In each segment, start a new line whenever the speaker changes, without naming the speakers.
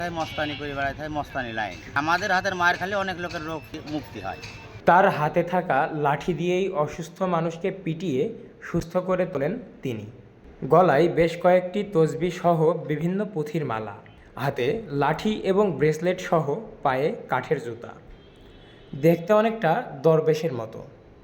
মস্তানি করে বেড়ায় থাকে, মস্তানি লাইন। আমাদের হাতের মায়ের খালি অনেক লোকের রোগ মুক্তি হয়।
তার হাতে থাকা লাঠি দিয়েই অসুস্থ মানুষকে পিটিয়ে সুস্থ করে তোলেন তিনি। গলায় বেশ কয়েকটি তসবিহ সহ বিভিন্ন পুঁথির মালা, হাতে লাঠি এবং ব্রেসলেট সহ পায়ে কাঠের জুতা, দেখতে অনেকটা দরবেশের মতো।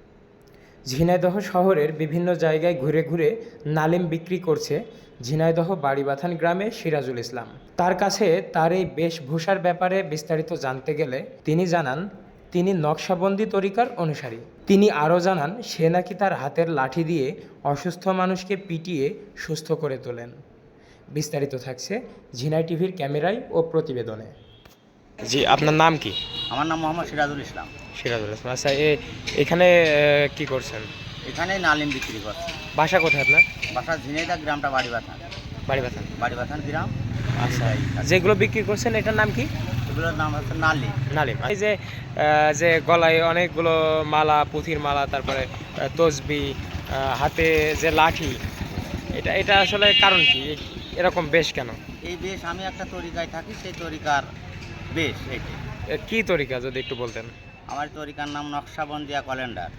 ঝিনাইদহ শহরের বিভিন্ন জায়গায় ঘুরে ঘুরে নালিম বিক্রি করছে ঝিনাইদহ বাড়িবাথান গ্রামে সিরাজুল ইসলাম। তার কাছে তার এই বেশভূষার ব্যাপারে বিস্তারিত জানতে গেলে তিনি জানান তিনি নকশাবন্দি তরিকার অনুসারী। তিনি আরও জানান সে নাকি তার হাতের লাঠি দিয়ে অসুস্থ মানুষকে পিটিয়ে সুস্থ করে তোলেন। বিস্তারিত থাকছে ঝিনাই টিভির ক্যামেরায় ও প্রতিবেদনে। জি, আপনার নাম কি?
আমার নাম মোহাম্মদ সিরাজুল ইসলাম।
সিরাজুল ইসলাম। আচ্ছা, এখানে কি করছেন?
এখানে নালিম বিক্রি করছে।
বাসা কোথায় আপনার?
বাসা ঝিনাইদহ, গ্রামটা বাড়িবাথান।
বাড়িবাথান।
বাড়িবাথান গ্রাম।
আচ্ছা, যেগুলো বিক্রি করছেন এটার নাম কি?
এগুলোর নাম হচ্ছে নালিম।
নালিম। এই যে যে গলায় অনেকগুলো মালা, পুঁথির মালা, তারপরে তসবি, হাতে যে লাঠি, এটা এটা আসলে কারণ কি? এরকম বেশ কেন?
এই বেশ আমি একটা তরিকায় থাকি, সেই তরিকার বেশ এটি।
কি তরিকা যদি একটু বলতেন?
আমার তরিকার নাম নকশাবন্দিয়া ক্যালেন্ডার।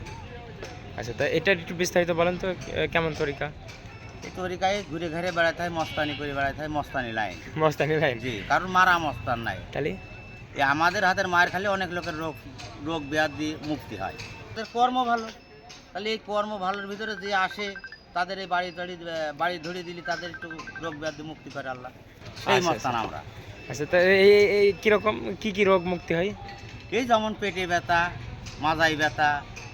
আচ্ছা, তা এটা একটু বিস্তারিত বলেন তো, কেমন তরিকা?
এই তরিকায় ঘুরে ঘুরে বেড়াতে হয়, মস্তানি করে বেড়াতে হয়, মস্তানি লাইন।
মস্তানি লাইন?
জি, কারণ মারা মস্তান নাই।
তাহলে
এই আমাদের হাতের মায়ের খালি অনেক লোকের রোগ ব্যাধি মুক্তি হয়। তাদের কর্ম ভালো, তাহলে এই কর্ম ভালোর ভিতরে যে আসে তাদের এই বাড়ি ধরিয়ে দিলে তাদের একটু রোগ ব্যাধি মুক্তি করে আল্লাহ, সেই
আচ্ছা,
মস্তান
আচ্ছা।
আমরা।
আচ্ছা, তা এই কীরকম কি রোগ মুক্তি হয়?
এই যেমন পেটে ব্যথা, মাজাই ব্যথা,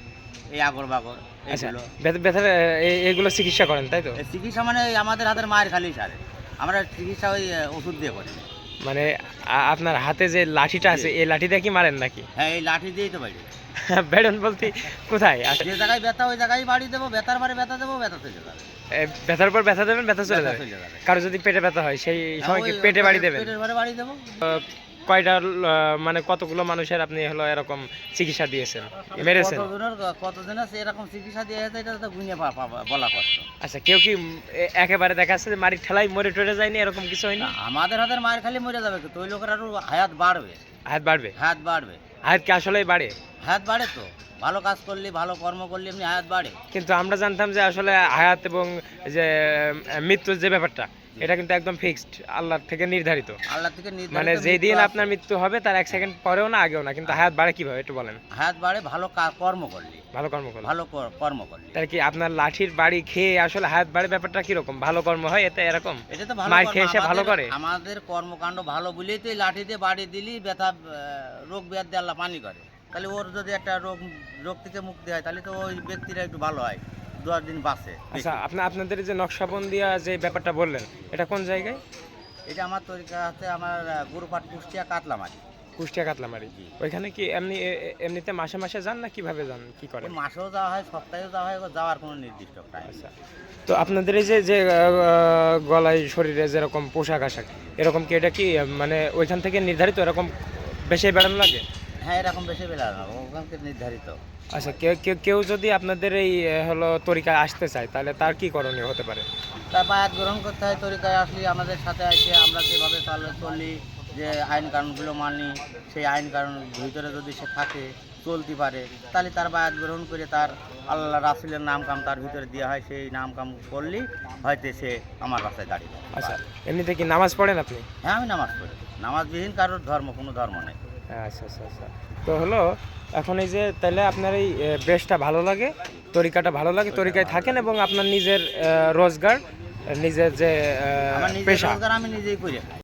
এই আগর বাগর,
আচ্ছা,
এগুলো।
ব্যথার এগুলো চিকিৎসা করেন তাই তো?
এই চিকিৎসা মানে এই আমাদের হাতের মায়ের খালি সারে, আমরা চিকিৎসা ওই ওষুধ দিয়ে করি।
মানে আপনার হাতে যে লাঠিটা আছে, এই লাঠি দিয়ে কি মারেন নাকি?
হ্যাঁ, এই লাঠি দিয়েই তো বাড়ি।
বেড়ন বলতে কোথায়?
যে জায়গায় ব্যথা ওই জায়গায় বাড়ি দেবো, ব্যথার বারে ব্যথা দেবো, ব্যথা চলে যাবে।
ব্যথার পর ব্যথা দেবেন, ব্যথা চলে যাবে।
চলে যাবে।
কারো যদি পেটে ব্যথা হয় সেই সময় কি পেটে বাড়ি দেবেন?
পেটের বারে বাড়ি দেবো।
কয়টা মানে কতগুলো মানুষের আপনি হলো এরকম চিকিৎসা দিয়েছেন, মেরেছেন?
কতজনের আছে এরকম চিকিৎসা দিয়ে আছে, এটা তো গুনিয়ে বলা কষ্ট।
আচ্ছা, কেউ কি একেবারে দেখা যাচ্ছে যে মারি ঠেলাই মরে টরে যায়নি, এরকম কিছু হয়নি?
না, আমাদের হাতের মায়ের খালি মরে যাবে, কিন্তু ওই লোকের আরো হায়াত বাড়বে।
হাত বাড়বে?
হায়াত বাড়বে।
হাত কি আসলেই বাড়ে?
হায়াত বাড়ে তো, ভালো কাজ করলে, ভালো কর্ম করলে এমনি হায়াত বাড়ে।
কিন্তু আমরা জানতাম যে আসলে হায়াত এবং যে মৃত্যুর যে ব্যাপারটা, এটা কিন্তু একদম ফিক্সড, আল্লাহর থেকে নির্ধারিত।
আল্লাহ থেকে নির্ধারিত।
মানে যেই দিন আপনার মৃত্যু হবে তার 1 সেকেন্ড পরেও না, আগেও না, কিন্তু হায়াত বাড়ে কিভাবে একটু বলেন?
হায়াত বাড়ে ভালো কর্ম করলে।
ভালো কর্ম করলে?
ভালো কর্ম করলে।
তাহলে কি আপনার লাঠির বাড়ি খেয়ে আসলে হায়াত বাড়ে ব্যাপারটা কিরকম? ভালো কর্ম হয় এতে এরকম?
এটা তো ভালো
মার
কর্ম।
খেয়ে সে ভালো করে?
আমাদের কর্মকাণ্ড ভালো বলেই তো এই লাঠি দিয়ে বাড়ি দিলি ব্যথা, রোগ ব্যাধি আল্লাহ পানি করে। তাহলে ওর যদি একটা রোগ থেকে মুক্তি হয়, তাহলে তো ওই ব্যক্তিরা একটু ভালো হয়, 2 দিন বাঁচে।
আচ্ছা, আপনাদের যে নকশাবন্দিয়া যে ব্যাপারটা বললেন, এটা কোন জায়গায়?
এটা আমার তরিকা আছে, আমার গুরুপাট কুষ্টিয়া কাতলামারি।
কুষ্টিয়া কাতলামারি। ওইখানে কি এমনিতে মাসে মাসে যান না কিভাবে যান, কি করেন?
মাসেও যাওয়া হয়, সপ্তাহেও যাওয়া হয়, যাওয়ার কোনো নির্দিষ্ট টাইম।
আচ্ছা, তো আপনাদের এই যে গলায় শরীরে যেরকম পোশাক আশাক, এরকম কি এটা কি মানে ওইখান থেকে নির্ধারিত, এরকম বেশি বেড়ানো লাগে?
হ্যাঁ, এরকম বেশি বেলা না, ওখানকে নির্ধারিত।
আচ্ছা, কেউ যদি আপনাদের এই হলো তরিকায় আসতে চায়, তাহলে তার কি করণীয় হতে পারে?
তার বায়াত গ্রহণ করতে হয়। তরিকায় আসলে আমাদের সাথে এসে আমরা যেভাবে চলি, যে আইন কানুনগুলো মানি, সেই আইন কানুন ভিতরে যদি সে থাকে, চলতে পারে, তাহলে তার বায়াত গ্রহণ করে তার আল্লাহ রাসূলের নাম কাম তার ভিতরে দেওয়া হয়। সেই নাম কাম করলেই হয়তো সে আমার রাস্তায় দাঁড়িয়ে যাবে।
আচ্ছা, এমনিতে কি নামাজ পড়েন আপনি?
হ্যাঁ, আমি নামাজ পড়ি। নামাজবিহীন কারোর কোনো ধর্ম নেই।
আচ্ছা আচ্ছা আচ্ছা, তো হলো এখন এই যে তাহলে আপনার এই বেশটা ভালো লাগে, তরিকাটা ভালো লাগে, তরিকায় থাকেন এবং আপনার নিজের রোজগার, নিজের যে
আমার নিজের
পেশা,
রোজগার আমি নিজেই করে খাই।